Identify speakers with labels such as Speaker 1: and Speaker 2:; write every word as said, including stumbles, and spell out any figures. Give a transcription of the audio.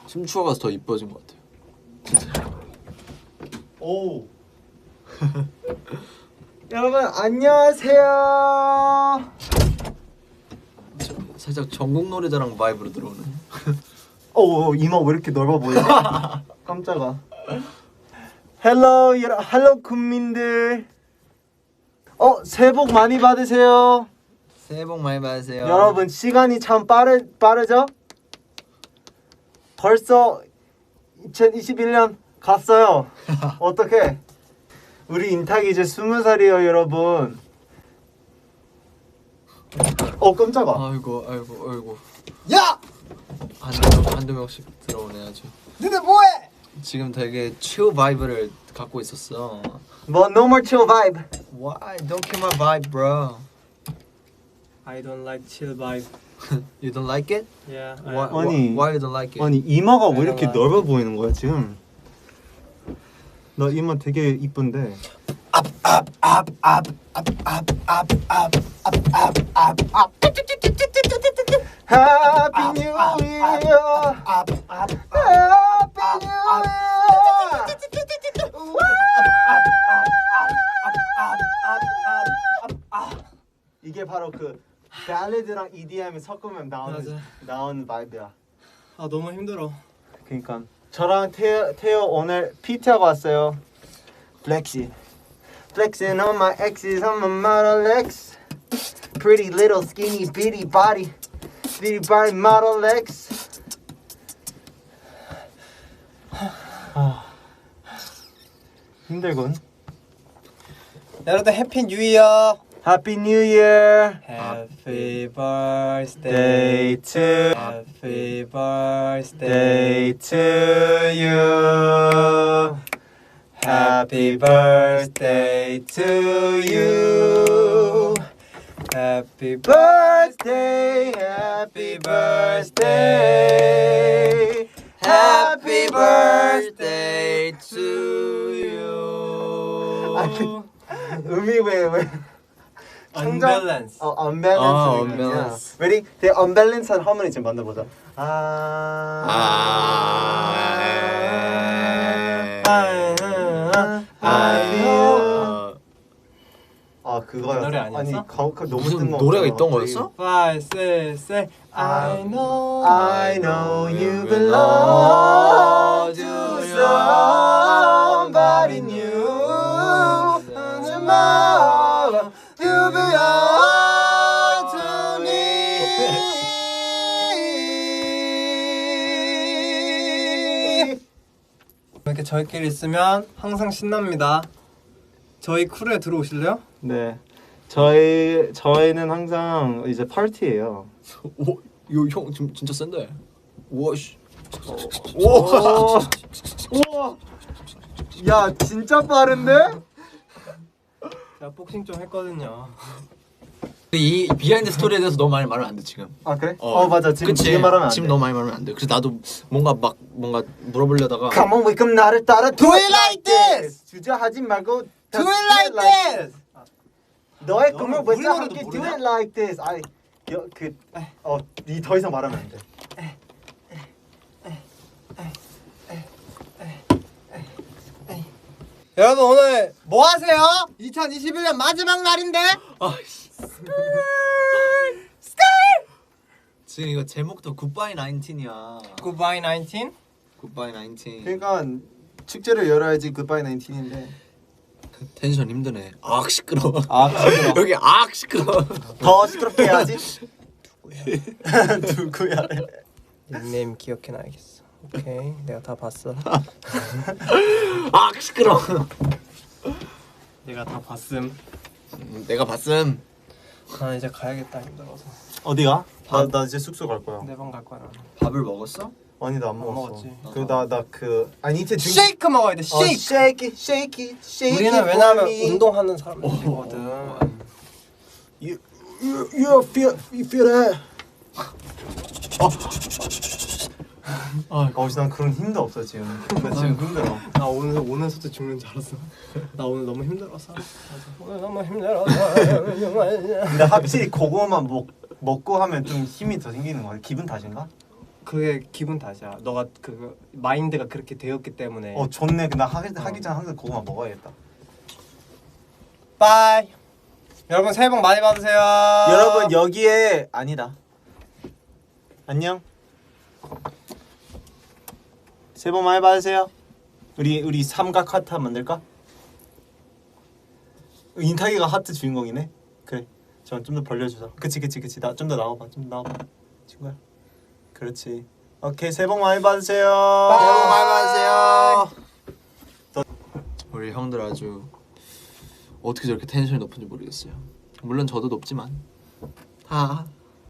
Speaker 1: 춤추어 가서 더 이뻐진 것 같아요. 진짜.
Speaker 2: 오. 여러분 안녕하세요.
Speaker 1: 살짝 전국 노래자랑 바이브로 들어오네.
Speaker 2: 오, 이마 왜 이렇게 넓어 보여? 깜짝아. 헬로 여러 헬로 국민들. 어, 새해 복 많이 받으세요.
Speaker 1: 새해 복 많이 받으세요.
Speaker 2: 여러분 시간이 참 빠르 빠르죠? 벌써 이천이십일 년 갔어요. 어떻게? 우리 인탁이 이제 스무 살이에요, 여러분. 어, 깜짝아.
Speaker 1: 아이고, 아이고, 아이고.
Speaker 2: 야!
Speaker 1: 한두 명, 한두 명씩 들어오네 아주.
Speaker 2: 너네 뭐해?
Speaker 1: 지금 되게 chill 바이브를 갖고 있었어.
Speaker 2: 뭐 no more chill vibe.
Speaker 1: Why? Don't kill my vibe, bro.
Speaker 3: I don't like chill vibe.
Speaker 1: You don't like it?
Speaker 3: Yeah. I-
Speaker 1: Why,
Speaker 2: 아니.
Speaker 1: why you don't like it?
Speaker 2: 아니 이마가 왜
Speaker 3: I
Speaker 2: 이렇게
Speaker 3: don't like-
Speaker 2: 넓어 보이는 거야 지금? 나 이마 되게 이쁜데. Happy New Year. Happy New Year. 이게 바로 그 발레드랑 이디엠을 섞으면 나오는
Speaker 3: 맞아.
Speaker 2: 나오는 바이브야.
Speaker 3: 아 너무 힘들어.
Speaker 2: 그러니까 저랑 태어, 태어 오늘 피티 하고 왔어요. Flexing, flexing on my exes on my Model X. Pretty little skinny bitty body, bitty body Model X. 아, 힘들군.
Speaker 3: 여러분 해피 뉴 이어.
Speaker 2: Happy New Year.
Speaker 3: Happy birthday
Speaker 2: Day to
Speaker 3: Happy birthday
Speaker 2: day to you. Happy birthday to you.
Speaker 3: Happy
Speaker 2: Birthday, happy birthday, happy birthday to you. 아니, 음이 왜 왜?
Speaker 3: Unbalance.
Speaker 2: 어, unbalance.
Speaker 1: 아, unbalance.
Speaker 2: Ready? 되게 unbalance한 하모니 지금 만들어보자. 아.
Speaker 1: 아.
Speaker 2: 아. 아 그거야.
Speaker 3: 노래 아니었어?
Speaker 2: 아니 가, 가, 너무
Speaker 1: 무슨
Speaker 2: 뜬금없어.
Speaker 1: 노래가 있던 거였어?
Speaker 3: Five, six, seven. I know.
Speaker 2: I know you belong to somebody new. Tomorrow you belong to me.
Speaker 3: 이렇게 저희끼리 있으면 항상 신납니다. 저희 크루에 들어오실래요?
Speaker 2: 네, 저희 저희는 항상 이제 파티예요.
Speaker 1: 오, 이거 형 지금 진짜 센데. 우와 씨.
Speaker 2: 우와, 우와, 야 진짜 빠른데?
Speaker 3: 제가 복싱 좀 했거든요.
Speaker 1: 이 비하인드 스토리에 대해서 너무 많이 말하면 안 돼 지금.
Speaker 2: 아 그래? 어, 어 맞아 지금
Speaker 1: 그치?
Speaker 2: 지금 말하면 안 돼.
Speaker 1: 지금 너무 많이 말하면 안 돼. 그래서 나도 뭔가 막 뭔가 물어보려다가
Speaker 2: Come on, wake up 나를 따라 do it like this. 주저하지 말고
Speaker 3: Do it like this.
Speaker 2: 너의
Speaker 3: 너는
Speaker 2: 꿈을
Speaker 3: 우리
Speaker 2: 외쳐
Speaker 3: 노래도
Speaker 2: 함께 do
Speaker 3: 모르냐?
Speaker 2: it like this. 아이 그어니 더 이상 말하면 안 돼.
Speaker 3: 여러분 오늘 뭐 하세요? 이천이십일 년 마지막 날인데.
Speaker 1: 아 씨. 지금 이거 제목도 굿바이 나인틴이야.
Speaker 3: Goodbye nineteen.
Speaker 1: 굿바이 나인틴.
Speaker 2: 그러니까 축제를 열어야지 굿바이 나인틴인데.
Speaker 1: 텐션 힘드네. 악 시끄러워.
Speaker 2: 아 시끄러.
Speaker 1: 여기 악 시끄러워.
Speaker 2: 더 시끄럽게 해야지. 누구야?
Speaker 3: 닉네임 기억해놔야겠어. 오케이, 내가 다 봤어.
Speaker 1: 악 시끄러워.
Speaker 3: 내가 다 봤음.
Speaker 1: 음, 내가 봤음.
Speaker 3: 난 이제 가야겠다 힘들어서.
Speaker 2: 어디가? 나 나 이제 숙소 갈 거야.
Speaker 3: 내 방 갈 거야. 나는.
Speaker 1: 밥을 먹었어?
Speaker 2: 아니 나 안
Speaker 3: 안
Speaker 2: 먹었어.
Speaker 3: 먹었지.
Speaker 2: 그나 나 그 아니 이제 등.
Speaker 3: 쉐이크 먹어야 돼.
Speaker 2: 어,
Speaker 3: 쉐이크.
Speaker 2: shake it, shake it, shake
Speaker 3: 우리는
Speaker 2: it
Speaker 3: 왜냐하면
Speaker 2: for me.
Speaker 3: 운동하는 사람들이거든.
Speaker 2: You, you, you feel, you feel that? 어, 어, 난 그런 힘도 없어 지금. 나 지금 힘들어.
Speaker 3: 나 오늘 오면서도 죽는 줄 알았어. 나 오늘 너무 힘들어서. 오늘 너무 힘들어서.
Speaker 2: 근데 확실히 그거만 먹 먹고 하면 좀 힘이 더 생기는 거 같아. 기분 탓인가?
Speaker 3: 그게 기분 탓이야. 너가 그 마인드가 그렇게 되었기 때문에.
Speaker 2: 어 좋네. 나 하기 하기 전에 항상 고구마 먹어야겠다.
Speaker 3: 빠이. 여러분 새해 복 많이 받으세요.
Speaker 2: 여러분 여기에 아니다. 안녕. 새해 복 많이 받으세요. 우리 우리 삼각 하트 한번 만들까? 인타기가 하트 주인공이네. 그래. 저 좀 더 벌려주자. 그치 그치 그치. 나 좀 더 나와봐. 좀 더 나와봐. 친구야. 그렇지. 오케이 새해 복 많이 받으세요.
Speaker 3: 새해 복 많이 받으세요.
Speaker 1: 우리 형들 아주 어떻게 저렇게 텐션이 높은지 모르겠어요. 물론 저도 높지만 다